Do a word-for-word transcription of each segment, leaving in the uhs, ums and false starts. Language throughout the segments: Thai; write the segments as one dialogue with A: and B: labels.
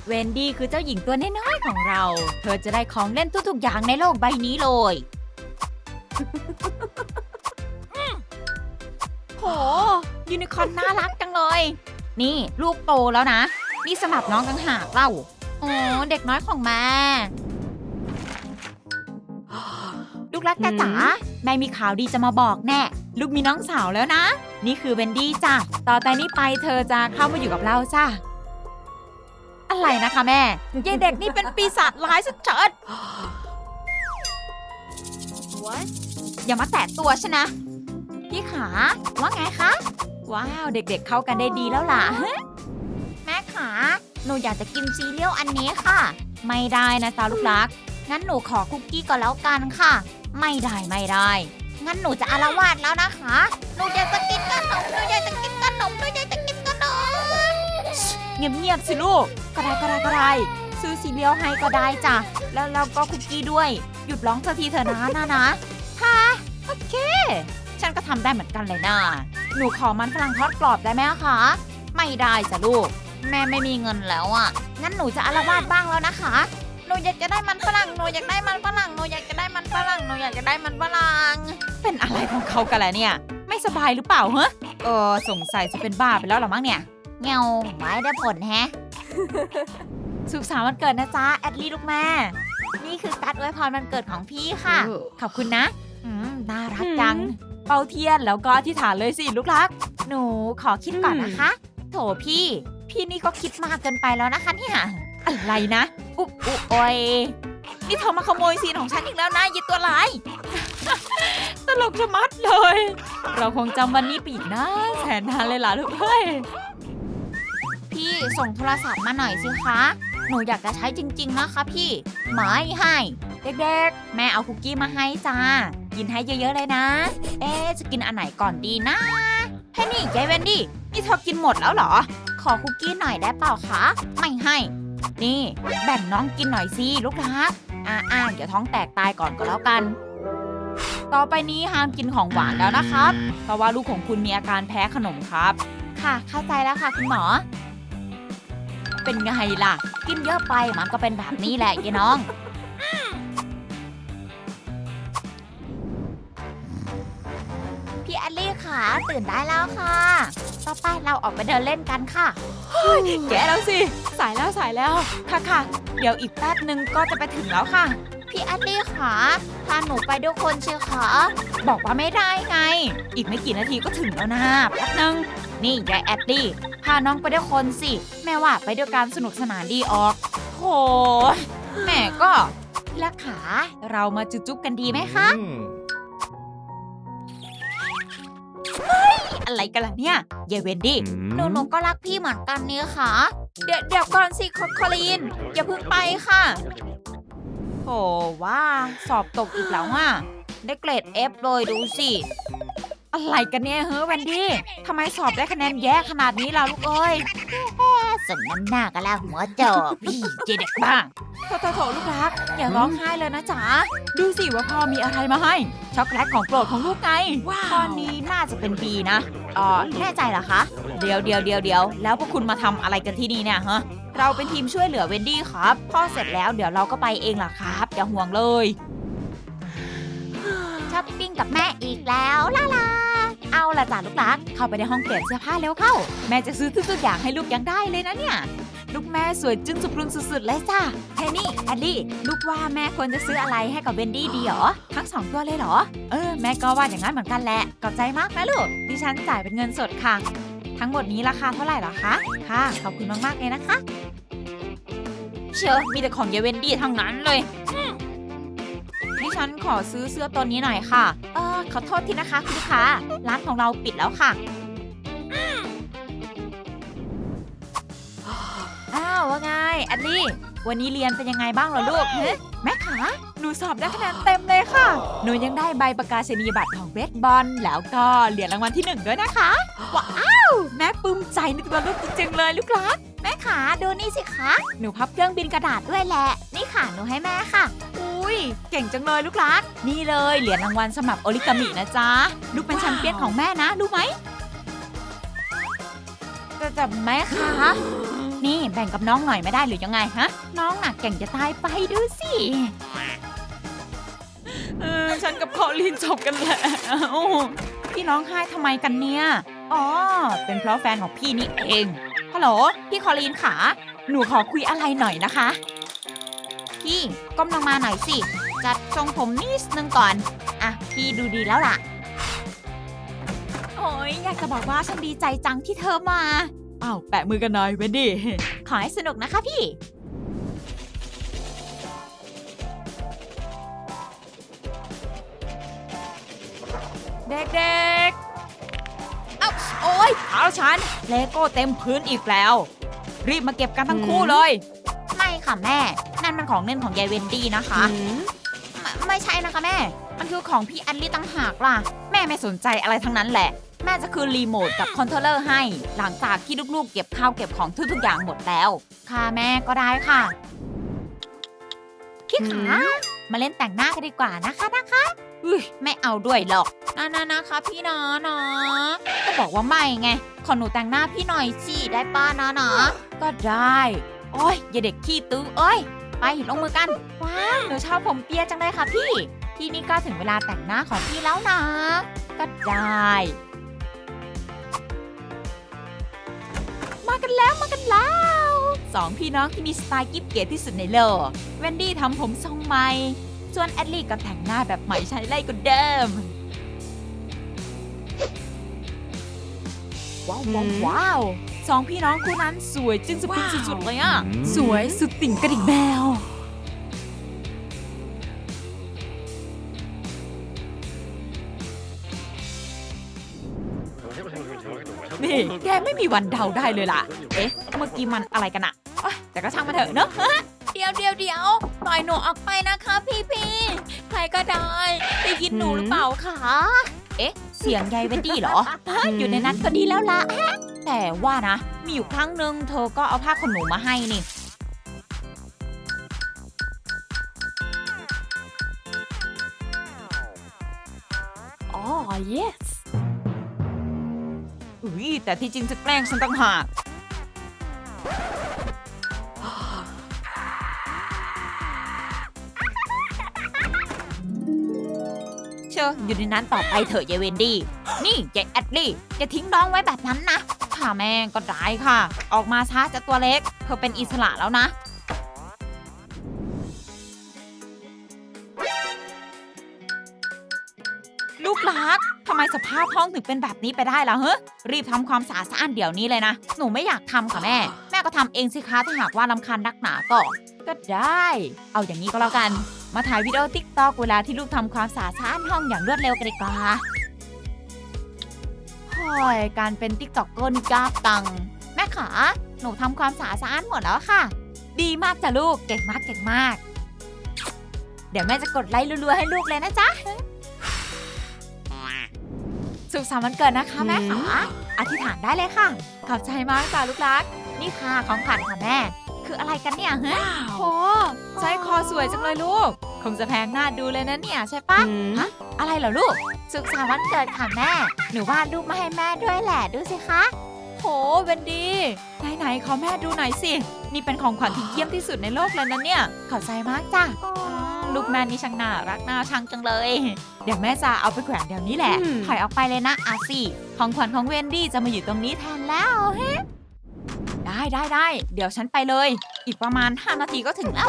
A: เวนดี้คือเจ้าหญิงตัวน้อยๆของเรา เธอจะได้ของเล่นทุกๆอย่างในโลกใบนี้เลย โหยูนิคอร์นน่ารักจังเลย นี่ลูกโตแล้วนะนี่สำหรับน้องต่างหากเล่าโอ้เด็กน้อยของแม่ลูกรักจ๋าแม่มีข่าวดีจะมาบอกแน่ลูกมีน้องสาวแล้วนะนี่คือเวนดี้จ้ะต่อแต่นี้ไปเธอจะเข้ามาอยู่กับเราจ้ะอะไรนะคะแม่ยายเด็กนี่เป็นปีศาจร้ายสุดเฉิดอย่ามาแตะตัวฉันนะพี่ขาว่าไงคะว้าวเด็กๆเข้ากันได้ดีแล้วล่ะแม่ขาหนูอยากจะกินซีเรียลอันนี้ค่ะไม่ได้นะจ๊ะลูกรักงั้นหนูขอคุกกี้ก่อนแล้วกันค่ะไม่ได้ไม่ได้งั้นหนูจะอาละวาดแล้วนะคะหนูอยากจะกินขนมหนูอยากจะกินขนมหนูอยากจะกินขนมเงียบๆสิลูกก็ได้ก็ได้ก็ได้ซื้อซีเรียลให้ก็ได้จ้ะแล้วเราก็คุกกี้ด้วยหยุดร้องสักทีเถอะนะนะนะค่ะโอเคฉันก็ทำได้เหมือนกันเลยนะหนูขอมันฝรั่งทอดกรอบได้ไหมคะไม่ได้จ้ะลูกแม่ไม่มีเงินแล้วอ่ะงั้นหนูจะอาละวาดบ้างแล้วนะคะหนูอยากจะได้มันฝรั่งหนูอยากได้มันฝรั่งหนูอยากจะได้มันฝรั่งหนูอยากจะได้มันฝรั่งเป็นอะไรของเขากันแหละเนี่ยไม่สบายหรือเปล่าฮะเออสงสัยจะเป็นบ้าไปแล้วหรอมั้งเนี่ยเงาไม่ได้ผลแฮะ สุขสันต์วันเกิดนะจ๊ะแอดลี่ลูกแม่นี่คือการ์ดอวยพรวันเกิดของพี่ค่ะขอบคุณนะอืมน่ารักจังเป่าเทียนแล้วก็อธิษฐานเลยสิลูกรักหนูขอคิดก่อนนะคะโถพี่พี่นี่ก็คิดมากเกินไปแล้วนะคะเนี่ยอะไรนะอุ๊บอุ๊บโอยนี่เธอมาขโมยซีนของฉันอีกแล้วนะยิตัวร้าย ตลกชะมัดเลยเราคงจำวันนี้ไปอีกนะแสนนานเลยล่ะลูกเอ้ยพี่ส่งโทรศัพท์มาหน่อยสิคะหนูอยากจะใช้จริงๆนะคะพี่ไม่ให้เด็กๆแม่เอาคุกกี้มาให้จ้ากินให้เยอะๆเลยนะเอ๊ะจะกินอันไหนก่อนดีนะให้นี่ยายเวนดี้นี่เธอกินหมดแล้วเหรอขอคุกกี้หน่อยได้เปล่าคะไม่ให้นี่แบ่งน้องกินหน่อยสิลูกรักอ่าๆเดี๋ยวท้องแตกตายก่อนก็แล้วกันต่อไปนี้ห้ามกินของหวานแล้วนะครับเพราะว่าลูกของคุณมีอาการแพ้ขนมครับค่ะเข้าใจแล้วค่ะคุณหมอเป็นไงล่ะกินเยอะไปมันก็เป็นแบบนี้แหละยายน้องพี่แอลลี่ค่ะตื่นได้แล้วค่ะต่อไปเราออกไปเดินเล่นกันค่ะแกแล้วสิสายแล้วสายแล้วค่ะค่ะเดี๋ยวอีกแป๊บนึงก็จะไปถึงแล้วค่ะพี่แอลลี่ค่ะพาหนูไปด้วยคนเชียวค่ะบอกว่าไม่ได้ไงอีกไม่กี่นาทีก็ถึงแล้วนะแป๊บนึงนี่ยายแอลลี่พาน้องไปด้วยคนสิแม่ว่าไปด้วยกันสนุกสนานดีออกโหแม่ก็พี่ละขาเรามาจุ๊บๆกันดีไหมคะอะไรกันล่ะเนี่ยเยเวนดี้หนูหนูก็รักพี่เหมือนกันนี่ค่ะเดี๋ยวเดี๋ยวก่อนสิคอลีนอย่าเพิ่งไปค่ะโหว่าสอบตกอีกแล้วอ่ะได้เกรด F เลยดูสิอะไรกันเนี่ยเฮ้ยเวนดี้ทำไมสอบได้คะแนนแย่ขนาดนี้ล่ะลูกเอ้ยสมน้ำหน้ากันแล้วหัวจอกพี่เจเด็กบ้างโถโถโถลูกรักอย่าร้องไห้เลยนะจ๋าดูสิว่าพ่อมีอะไรมาให้ช็อกโกแลตของโปรดของลูกไงข้อนี้น่าจะเป็น B นะอ๋อแน่ใจเหรอคะเดี๋ยวเดี๋ยวเดี๋ยวเดี๋ยวแล้วพวกคุณมาทำอะไรกันที่นี่เนี่ยฮะเราเป็นทีมช่วยเหลือเวนดี้ครับพ่อเสร็จแล้วเดี๋ยวเราก็ไปเองล่ะครับอย่าห่วงเลยช้อปปิ้งกับแม่อีกแล้วล่ะล่ะเอาล่ะจ้ะลูกรักเข้าไปในห้องเปลี่ยนเสื้อผ้าเร็วเข้าแม่จะซื้อทุกๆอย่างให้ลูกยังได้เลยนะเนี่ยลูกแม่สวยจึ้งสุดรุนสุดๆเลยจ้ะเฮนี่แอดลี่ลูกว่าแม่ควรจะซื้ออะไรให้กับเวนดี้ดีหรอทั้งสองตัวเลยเหรอเออแม่ก็ว่าอย่างนั้นเหมือนกันแหละขอบใจมากนะลูกดิฉันจ่ายเป็นเงินสดค่ะทั้งหมดนี้ราคาเท่าไหร่หรอคะค่ะขอบคุณมากๆเลยนะคะเชียวมีแต่ของเยเวนดี้ทั้งนั้นเลยดิฉันขอซื้อเสื้อตัวนี้หน่อยค่ะเออขอโทษทีนะคะคุณลูกค้าร้านของเราปิดแล้วค่ะอ้าวว่าไงแอดลี่วันนี้เรียนเป็นยังไงบ้างเหรอลูกเฮ้แม่ขาหนูสอบได้คะแนนเต็มเลยค่ะหนูยังได้ใบประกาศนียบัตรของเบสบอลแล้วก็เหรียญรางวัลที่หนึ่งด้วยนะคะว้าวแม่ปลื้มใจในตัวลูกจริงๆเลยลูกรักแม่ขาดูนี่สิคะหนูพับเครื่องบินกระดาษด้วยแหละนี่ค่ะหนูให้แม่ค่ะอุ้ยเก่งจังเลยลูกรักนี่เลยเหรียญรางวัลสำหรับโอริกามินะจ๊ะลูกเป็นแชมเปี้ยนของแม่นะรู้ไหมแต่แต่แม่คะนี่แบ่งกับน้องหน่อยไม่ได้หรือยังไงฮะน้องหนักเก่งจะตายไปดูสิเออฉันกับคอลินจบกันแล้วพี่ร้องไห้ทำไมกันเนี่ยอ๋อเป็นเพราะแฟนของพี่นี่เองฮัลโหลพี่คอลินขาหนูขอคุยอะไรหน่อยนะคะพี่ก้มลงมาหน่อยสิจัดทรงผมนิดนึงก่อนอ่ะพี่ดูดีแล้วล่ะโอ้ยอยากจะบอกว่าฉันดีใจจังที่เธอมาอ้าวแปะมือกันหน่อยเวนดี้ขอให้สนุกนะคะพี่เด็กๆเอ้าโอ๊ยเท้าฉันเลโก้เต็มพื้นอีกแล้วรีบมาเก็บกันทั้งคู่เลยไม่ค่ะแม่นั่นมันของเล่นของยายเวนดี้นะคะไม่ไม่ใช่นะคะแม่มันคือของพี่แอลลี่ตั้งหากล่ะแม่ไม่สนใจอะไรทั้งนั้นแหละแม่จะคืนรีโมทกับคอนโทรลเลอร์ให้หลังจากที่ลูกๆเก็บข้าวเก็บของทุกๆอย่างหมดแล้วค่ะแม่ก็ได้ค่ะพี่ขามาเล่นแต่งหน้ากันดีกว่านะคะนะคะอุ้ยไม่เอาด้วยหรอกนะนะนะคะพี่นะนะก็บอกว่าไม่ไงขอหนูแต่งหน้าพี่หน่อยสิได้ป้านะนะก็ได้โอ้ยอย่าเด็กขี้ตื้อเอ้ยไปลงมือกันว้าวหนูชอบผมเปียจังเลยค่ะพี่ที่นี่ก็ถึงเวลาแต่งหน้าของพี่แล้วนะก็ได้มากันแล้วมากันแล้วสองพี่น้องที่มีสไตล์กิ๊บเก๋ที่สุดในโลกเวนดี้ทำผมทรงใหม่ส่วนแอดลี่ก็แต่งหน้าแบบใหม่ใช้ไล่กว่าเดิมว้าวว้าวว้าวสองพี่น้องคู่นั้นสวยจึงสปริงสุดๆเลยอ่ะสวยสุดติ่งกระดิ่งแมวนี่แกไม่มีวันเดาได้เลยล่ะเอ๊ะเมื่อกี้มันอะไรกันอะแต่ก็ช่างมาเถอะเนอะเดี๋ยวเดี๋ยวเดี๋ยวปล่อยหนูออกไปนะคะพี่พี่ใครก็ได้ได้ยินหนูหรือเปล่าคะเอ๊ะเสียงยายเวนดี้เหรออยู่ในนั้นก็ดีแล้วล่ะแต่ว่านะมีอยู่ครั้งหนึ่งเธอก็เอาผ้าขนหนูมาให้นี่อ๋อ yesอุ้ยแต่ที่จริงจะแกล้งฉันต่างหากเชื่ออยู่ในนั้นต่อไปเถอะยายเวนดี้นี่ยายแอดลี่จะทิ้งน้องไว้แบบนั้นนะค่ะแม่ก็ได้ค่ะออกมาช้าจะตัวเล็กเธอเป็นอิสระแล้วนะลูกรักทำไมสภาพห้องถึงเป็นแบบนี้ไปได้ล่ะเฮ้ยรีบทำความสะอาดสะอ้านเดี๋ยวนี้เลยนะหนูไม่อยากทำค่ะแม่แม่ก็ทำเองสิคะถ้าหากว่ารำคาญนักหนาก็ก็ได้เอาอย่างนี้ก็แล้วกันมาถ่ายวิดีโอติ๊กต็อกเวลาที่ลูกทำความสะอาดสะอ้านห้องอย่างรวดเร็วกันดีกว่าโอ้ยการเป็นติ๊กต็อกเกอร์นี่ยากจังแม่ขาหนูทำความสะอาดสะอ้านหมดแล้วค่ะดีมากจ้ะลูกเก่งมากเก่งมากเดี๋ยวแม่จะกดไลค์รัวๆให้ลูกเลยนะจ๊ะสุขสันต์วันเกิดนะคะแม่ขาอธิษฐานได้เลยค่ะขอบใจมากจ้ะลูกรักนี่ค่ะของขวัญค่ะแม่คืออะไรกันเนี่ยฮะโอ้ใช้คอสวยจังเลยลูกคงจะแพงหน้าดูเลยนะเนี่ยใช่ปะฮะอะไรเหรอลูกสุขสันต์วันเกิดค่ะแม่หนูวาดรูปมาให้แม่ด้วยแหละดูสิคะโหเวนดี้ไหนๆขอแม่ดูหน่อยสินี่เป็นของขวัญที่เยี่ยมที่สุดในโลกเลยนะเนี่ยขอบใจมากจ้ะลูกแม่นี่ช่างน่ารักน่าชังจังเลยเดี๋ยวแม่จะเอาไปแขวนเดี๋ยวนี้แหละถอยออกไปเลยนะอาซี่ของขวัญของเวนดี้จะมาอยู่ตรงนี้แทนแล้วเฮ้ได้ได้ได้เดี๋ยวฉันไปเลยอีกประมาณห้านาทีก็ถึงแล้ว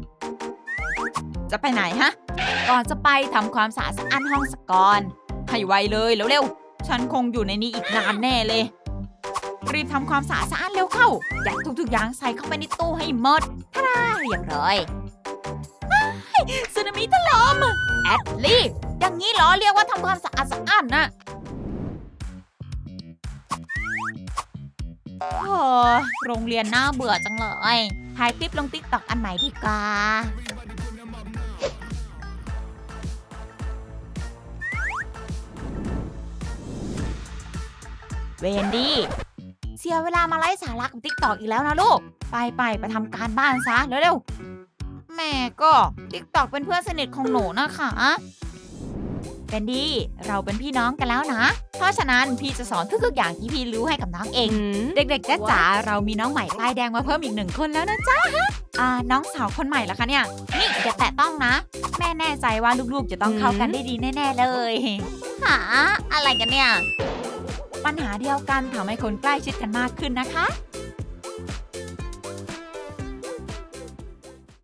A: จะไปไหนฮะก่อนจะไปทำความสะอาดสะอ้านห้องสักก่อนให้ไวเลยเร็วๆฉันคงอยู่ในนี้อีกนานแน่เลยรีบทำความสะอาดสะอ้านเร็วเข้ายัดทุกๆอย่างใส่เข้าไปในตู้ให้หมดท่าได้เรียบร้อยสึนามิถล่มแอดลี่อย่างนี้เหรอเรียกว่าทำความสะอาดสะอ้านนะโอ้โรงเรียนน่าเบื่อจังเลยถ่ายคลิปลงติ๊กต็อกอันใหม่ดีกว่าเวนดี้เสียเวลามาไล่สาระกับติ๊กต็อกอีกแล้วนะลูกไปไปไปทำการบ้านซะเร็วๆแม่ก็ติ๊กต็อกเป็นเพื่อนสนิทของหนูนะคะแคนดี้เราเป็นพี่น้องกันแล้วนะ เพราะฉะนั้นพี่จะสอนทุกๆอย่างที่พี่รู้ให้กับน้องเอง เด็กๆจ๊ะจ๋าเรามีน้องใหม่ป้ายแดงมาเพิ่มอีกหนึ่งคนแล้วนะจ๊ะอ่าน้องสาวคนใหม่ละคะเนี่ยนี่อย่าแตะต้องนะ แม่แน่ใจว่าลูกๆจะต้องเข้ากันได้ดีแน่ๆเลยหาอะไรกันเนี่ยปัญหาเดียวกันทำให้คนใกล้ชิดกันมากขึ้นนะคะ